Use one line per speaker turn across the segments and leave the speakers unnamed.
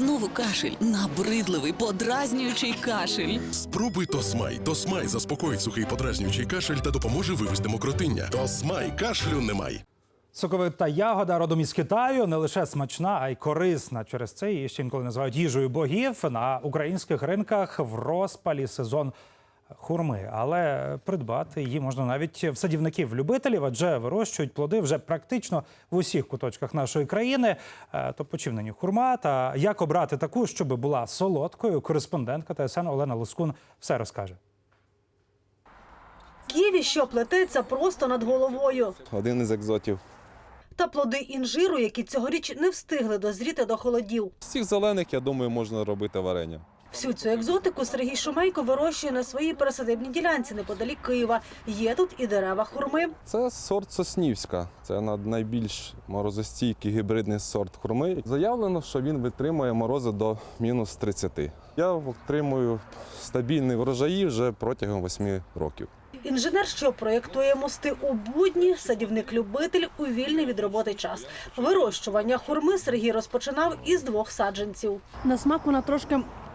Знову кашель. Набридливий, подразнюючий кашель.
Спробуй Тосмай. Тосмай заспокоїть сухий подразнюючий кашель та допоможе вивести мокротиння. Тосмай. Кашлю немає.
Соковита ягода родом із Китаю не лише смачна, а й корисна. Через це її ще інколи називають їжею богів. На українських ринках в розпалі сезон хурми. Але придбати її можна навіть в садівників-любителів, адже вирощують плоди вже практично в усіх куточках нашої країни. То почив хурма. Та як обрати таку, щоб була солодкою, кореспондентка ТСН Олена Лоскун все розкаже.
Ківі, що плететься просто над головою.
Один із екзотів.
Та плоди інжиру, які цьогоріч не встигли дозріти до холодів.
З цих зелених, я думаю, можна робити варення.
Всю цю екзотику Сергій Шумейко вирощує на своїй пересадибній ділянці неподалік Києва. Є тут і дерева хурми.
Це сорт Соснівська. Це найбільш морозостійкий гібридний сорт хурми. Заявлено, що він витримує морози до мінус 30. Я отримую стабільний врожаї вже протягом 8 років.
Інженер, що проєктує мости у будні, садівник-любитель у вільний від роботи час. Вирощування хурми Сергій розпочинав із 2 саджанців. На смак вона трошки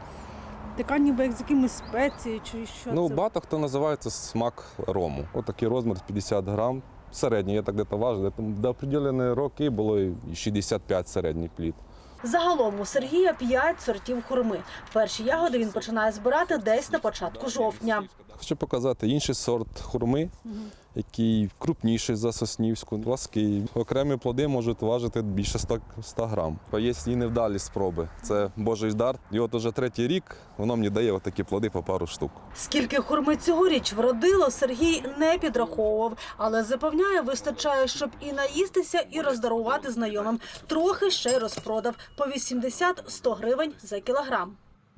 така ніби як з якимись спецією чи що це?
Багато хто називає це смак рому. Отакий розмір 50 грам. Середній, я так десь важив. До определеної роки було і 65 середній плід.
Загалом у Сергія 5 сортів хурми. Перші ягоди він починає збирати десь на початку жовтня.
Хочу показати інший сорт хурми, який крупніший за соснівську, плаский. Окремі плоди можуть важити більше 100 грам. Є і невдалі спроби. Це Божий дар. І от уже 3-й рік воно мені дає такі плоди по пару штук.
Скільки хурми цьогоріч вродило, Сергій не підраховував. Але запевняє, вистачає, щоб і наїстися, і роздарувати знайомим. Трохи ще й розпродав. По 80-100 гривень за кілограм.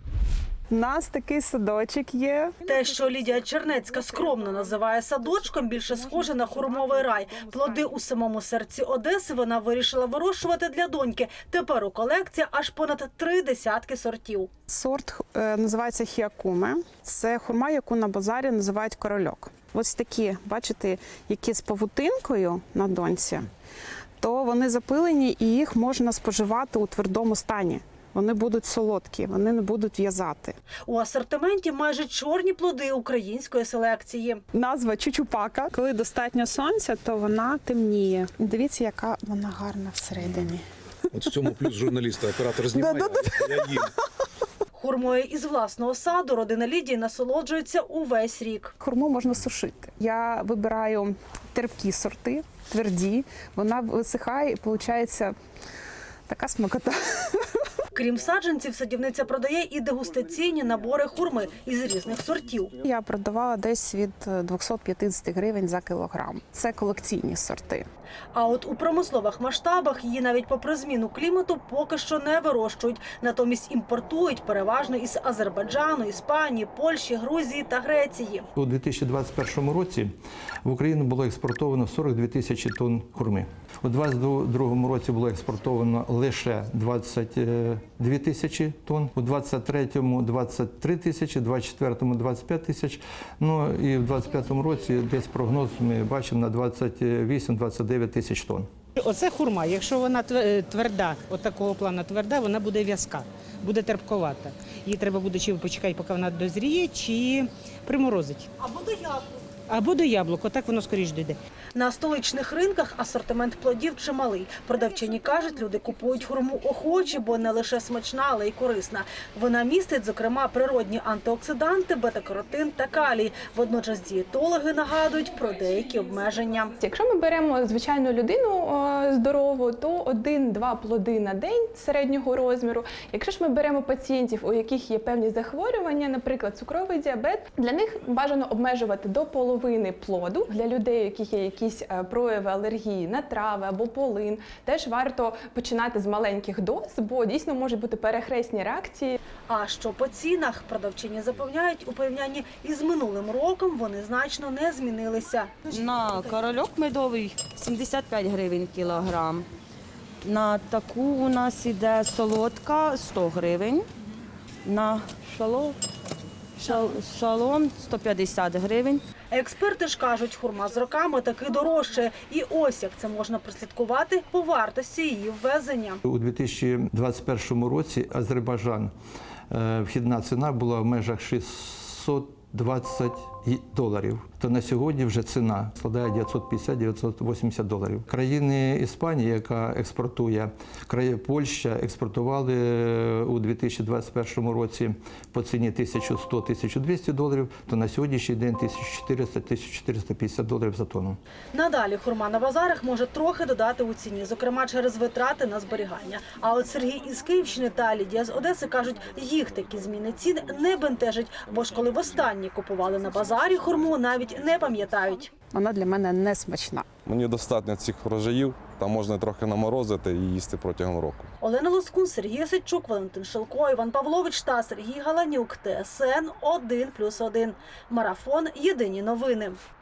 У нас такий садочок є.
Те, що Лідія Чернецька скромно називає садочком, більше схоже на хурмовий рай. Плоди у самому серці Одеси вона вирішила вирощувати для доньки. Тепер у колекції аж понад 3 десятки сортів.
Сорт називається хіакуме. Це хурма, яку на базарі називають корольок. Ось такі, бачите, які з павутинкою на доньці, то вони запилені і їх можна споживати у твердому стані. Вони будуть солодкі, вони не будуть в'язати.
У асортименті майже чорні плоди української селекції.
Назва чучупака. Коли достатньо сонця, то вона темніє. Дивіться, яка вона гарна всередині.
От в цьому плюс журналіста, оператор знімає, я їм.
Хурмою із власного саду родина Лідії насолоджується увесь рік.
Хурму можна сушити. Я вибираю терпкі сорти, тверді. Вона висихає і виходить така смакота.
Крім саджанців, садівниця продає і дегустаційні набори хурми із різних сортів.
Я продавала десь від 250 гривень за кілограм. Це колекційні сорти.
А от у промислових масштабах її навіть попри зміну клімату поки що не вирощують. Натомість імпортують переважно із Азербайджану, Іспанії, Польщі, Грузії та Греції.
У 2021 році в Україну було експортовано 42 тисячі тонн хурми. У 2022 році було експортовано лише 22 тисячі тонн, у 2023 – 23 тисячі, у 2024 – 25 тисяч, ну і в 2025 році десь прогноз ми бачимо на 28-29 тисяч тонн.
Оце хурма, якщо вона тверда, от такого плану тверда, вона буде в'язка, буде терпковата. Її треба буде чи почекати, поки вона дозріє, чи приморозить.
Або до яблук.
Або до яблук, отак воно скоріш дійде.
На столичних ринках асортимент плодів чималий. Продавчині кажуть, люди купують хурму охоче, бо не лише смачна, але й корисна. Вона містить, зокрема, природні антиоксиданти, бета-каротин та калій. Водночас дієтологи нагадують про деякі обмеження.
Якщо ми беремо звичайну людину здорову, то 1-2 плоди на день середнього розміру. Якщо ж ми беремо пацієнтів, у яких є певні захворювання, наприклад, цукровий діабет, для них бажано обмежувати до половини плоду. Для людей, у яких є якісь прояви алергії на трави або полин, теж варто починати з маленьких доз, бо дійсно можуть бути перехресні реакції.
А що по цінах? Продавчині запевняють, у порівнянні із минулим роком вони значно не змінилися.
На корольок медовий 75 гривень кілограм. На таку у нас іде солодка 100 гривень. На шалот Шалом 150 гривень.
Експерти ж кажуть, хурма з роками таки дорожчає. І ось як це можна прослідкувати по вартості її ввезення.
У 2021 році Азербайджан, вхідна ціна була в межах $620, то на сьогодні вже ціна складає $950-980. Країни Іспанії, яка експортує, Польща експортували у 2021 році по ціні $1100-1200, то на сьогоднішній день $1400-1450 за тонну.
Надалі хурма на базарах може трохи додати у ціні, зокрема через витрати на зберігання. А от Сергій із Київщини та Лідія з Одеси кажуть, їх такі зміни цін не бентежать, бо ж коли востаннє купували на базарі хурму, навіть не пам'ятають.
Вона для мене не смачна.
Мені достатньо цих врожаїв, там можна трохи наморозити і їсти протягом року.
Олена Лоскун, Сергій Осадчук, Валентин Шилко, Іван Павлович та Сергій Галанюк. ТСН 1+1. Марафон. Єдині новини.